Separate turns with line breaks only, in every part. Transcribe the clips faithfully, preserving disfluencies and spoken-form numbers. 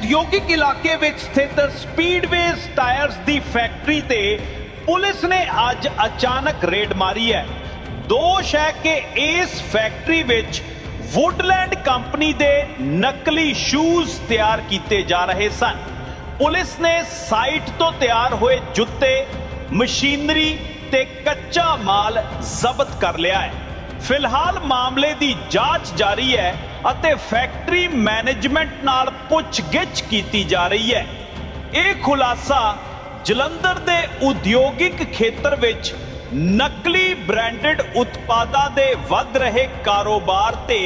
ਉਦਯੋਗਿਕ ਇਲਾਕੇ ਵਿੱਚ ਸਥਿਤ ਸਪੀਡਵੇਜ਼ ਟਾਇਰਸ ਦੀ ਫੈਕਟਰੀ ਤੇ ਪੁਲਿਸ ਨੇ ਅੱਜ ਅਚਾਨਕ ਰੇਡ ਮਾਰੀ ਹੈ। ਦੋਸ਼ ਹੈ ਕਿ ਇਸ ਫੈਕਟਰੀ ਵਿੱਚ ਵੁੱਡਲੈਂਡ ਕੰਪਨੀ ਦੇ ਨਕਲੀ ਸ਼ੂਜ਼ ਤਿਆਰ ਕੀਤੇ ਜਾ ਰਹੇ ਸਨ। ਪੁਲਿਸ ਨੇ ਸਾਈਟ ਤੋਂ ਤਿਆਰ ਹੋਏ ਜੁੱਤੇ, ਮਸ਼ੀਨਰੀ ਤੇ ਕੱਚਾ ਮਾਲ ਜ਼ਬਤ ਕਰ ਲਿਆ ਹੈ। ਫਿਲਹਾਲ ਮਾਮਲੇ ਦੀ ਜਾਂਚ ਜਾਰੀ ਹੈ ਅਤੇ ਫੈਕਟਰੀ ਮੈਨੇਜਮੈਂਟ ਨਾਲ ਪੁੱਛਗਿੱਛ ਕੀਤੀ ਜਾ ਰਹੀ ਹੈ। ਇਹ ਖੁਲਾਸਾ ਜਲੰਧਰ ਦੇ ਉਦਯੋਗਿਕ ਖੇਤਰ ਵਿੱਚ ਨਕਲੀ ਬ੍ਰਾਂਡਡ ਉਤਪਾਦਾਂ ਦੇ ਵੱਧ ਰਹੇ ਕਾਰੋਬਾਰ ਤੇ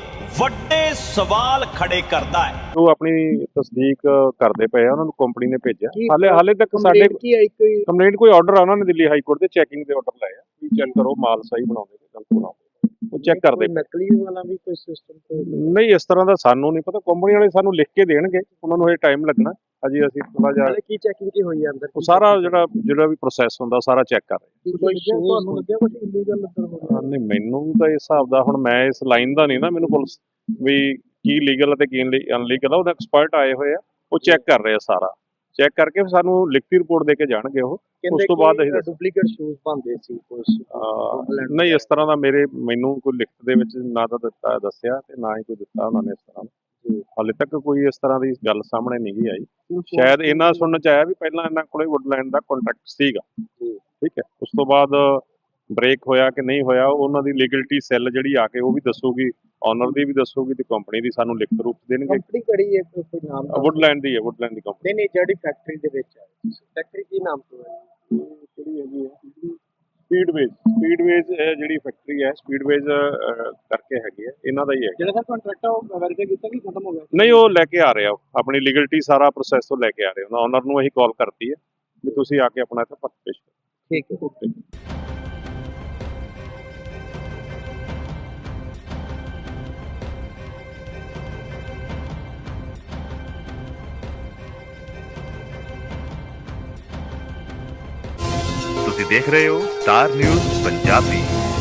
ਵੱਡੇ ਸਵਾਲ ਖੜੇ ਕਰਦਾ ਹੈ।
ਉਹ ਆਪਣੀ ਤਸਦੀਕ ਕਰਦੇ ਪਏ ਆ, ਉਹਨਾਂ ਨੂੰ ਕੰਪਨੀ ਨੇ ਭੇਜਿਆ। ਹਾਲੇ ਹਾਲੇ ਤੱਕ ਸਾਡੇ ਕੰਪਲੇਂਟ ਕੋਈ ਆਰਡਰ ਆ, ਉਹਨਾਂ ਨੇ ਦਿੱਲੀ ਹਾਈ ਕੋਰਟ ਦੇ ਚੈਕਿੰਗ ਦੇ ਆਰਡਰ ਲਏ ਆ ਵੀ ਚੈੱਕ ਕਰੋ ਮਾਲ ਸਹੀ ਬਣਾਉਂਦੇ ਕਿ ਗਲਤ ਬਣਾਉਂਦੇ, ਉਹ ਚੈੱਕ ਕਰਦੇ।
ਨਕਲੀ ਵਾਲਾ ਵੀ ਕੋਈ ਸਿਸਟਮ
ਨਹੀਂ, ਇਸ ਤਰ੍ਹਾਂ ਦਾ ਸਾਨੂੰ ਨਹੀਂ ਪਤਾ। ਕੰਪਨੀ ਵਾਲੇ ਸਾਨੂੰ ਲਿਖ ਕੇ ਦੇਣਗੇ, ਉਹਨਾਂ ਨੂੰ ਇਹ ਟਾਈਮ ਲੱਗਣਾ। ਅਜੇ ਅਸੀਂ ਥੋੜਾ ਜਿਹਾ
ਕੀ ਚੈਕਿੰਗ ਕੀ ਹੋਈ ਅੰਦਰ,
ਉਹ ਸਾਰਾ ਜਿਹੜਾ ਜਿਹੜਾ ਵੀ ਪ੍ਰੋਸੈਸ ਹੁੰਦਾ ਸਾਰਾ ਚੈੱਕ ਕਰ ਰਹੇ।
ਤੁਹਾਨੂੰ ਲੱਗਿਆ ਕੁਝ ਇਲੀਗਲ ਲੱਗਦਾ?
ਨਹੀਂ, ਮੈਨੂੰ ਤਾਂ ਇਸ ਹਿਸਾਬ ਦਾ, ਹੁਣ ਮੈਂ ਇਸ ਲਾਈਨ ਦਾ ਨਹੀਂ ਨਾ, ਮੈਨੂੰ ਪੁਲਿਸ ਵੀ ਕੀ ਲੀਗਲ ਅਤੇ ਕੀ ਅਨਲੀਗਲ ਆ, ਉਹਦਾ ਐਕਸਪਰਟ ਆਏ ਹੋਏ ਆ, ਉਹ ਚੈੱਕ ਕਰ ਰਹੇ ਆ। ਸਾਰਾ ਚੈੱਕ ਕਰਕੇ ਫਿਰ ਸਾਨੂੰ ਲਿਖਤੀ ਰਿਪੋਰਟ ਦੇ ਕੇ ਜਾਣਗੇ ਉਹ। ਉਸ ਤੋਂ ਬਾਅਦ ਅਸੀਂ
ਡੁਪਲੀਕੇਟ ਸ਼ੂਜ਼ ਪਾਉਂਦੇ ਸੀ ਕੁਝ?
ਨਹੀਂ, ਇਸ ਤਰ੍ਹਾਂ ਦਾ ਮੇਰੇ ਮੈਨੂੰ ਕੋਈ ਲਿਖਤ ਦੇ ਵਿੱਚ ਨਾ ਤਾਂ ਦਿੱਤਾ ਦੱਸਿਆ ਤੇ ਨਾ ਹੀ ਕੋਈ ਦਿੱਤਾ ਉਹਨਾਂ ਨੇ ਇਸ ਤਰ੍ਹਾਂ। ਹਾਲੇ ਤੱਕ ਕੋਈ ਇਸ ਤਰ੍ਹਾਂ ਦੀ ਗੱਲ ਸਾਹਮਣੇ ਨਹੀਂ ਗਈ ਆਈ। ਸ਼ਾਇਦ ਇਹਨਾਂ ਸੁਣਨ ਚ ਆਇਆ ਵੀ ਪਹਿਲਾਂ ਇਹਨਾਂ ਕੋਲੇ ਵੁੱਡਲੈਂਡ ਦਾ ਕੰਟਰੈਕਟ ਸੀਗਾ, ਠੀਕ ਹੈ। ਉਸ ਤੋਂ ਬਾਅਦ ਬ੍ਰੇਕ ਹੋਇਆ ਕਿ ਨਹੀਂ ਹੋਇਆ, ਉਹਨਾਂ ਦੀ ਲੀਗਲਿਟੀ ਸੈੱਲ ਜਿਹੜੀ ਆ ਕੇ ਉਹ ਵੀ ਦੱਸੂਗੀ, ਓਨਰ ਦੀ ਵੀ ਦੱਸੂਗੀ ਤੇ ਕੰਪਨੀ ਦੀ ਸਾਨੂੰ ਲਿਖਤ ਰੂਪ ਦੇਣਗੇ।
ਕੰਪਨੀ ਕਿਹੜੀ ਹੈ, ਕੋਈ ਨਾਮ?
ਵੁੱਡਲੈਂਡ ਦੀ ਹੈ, ਵੁੱਡਲੈਂਡ ਦੀ ਕੰਪਨੀ।
ਨਹੀਂ ਨਹੀਂ, ਜਿਹੜੀ ਫੈਕਟਰੀ ਦੇ ਵਿੱਚ ਹੈ, ਫੈਕਟਰੀ ਕੀ ਨਾਮ ਤੋਂ ਹੈ?
ਕਿਹੜੀ ਹੈਗੀ ਹੈ? ਸਪੀਡਵੇਜ਼। ਸਪੀਡਵੇਜ਼ ਜਿਹੜੀ ਫੈਕਟਰੀ ਹੈ, ਸਪੀਡਵੇਜ਼ ਕਰਕੇ ਹੈਗੀ ਹੈ, ਇਹਨਾਂ ਦਾ ਹੀ ਹੈ।
ਜਿਹੜਾ ਕੰਟਰੈਕਟ ਆ ਉਹ ਵੈਰੀਫਾਈ ਕੀਤਾ ਕਿ ਖਤਮ ਹੋ ਗਿਆ?
ਨਹੀਂ, ਉਹ ਲੈ ਕੇ ਆ ਰਹੇ ਆ, ਆਪਣੀ ਲੀਗਲਿਟੀ ਸਾਰਾ ਪ੍ਰੋਸੈਸ ਉਹ ਲੈ ਕੇ ਆ ਰਹੇ ਉਹਨਾਂ। ਓਨਰ ਨੂੰ ਅਸੀਂ ਕਾਲ ਕਰਤੀ ਹੈ ਵੀ ਤੁਸੀਂ ਆ ਕੇ ਆਪਣਾ ਇੱਥੇ ਪੱਕ ਪੇਸ਼ ਕਰੋ।
ਠੀਕ ਹੈ, ਓਕੇ।
ਤੁਸੀਂ ਦੇਖ ਰਹੇ ਹੋ ਸਟਾਰ ਨਿਊਜ਼ ਪੰਜਾਬੀ।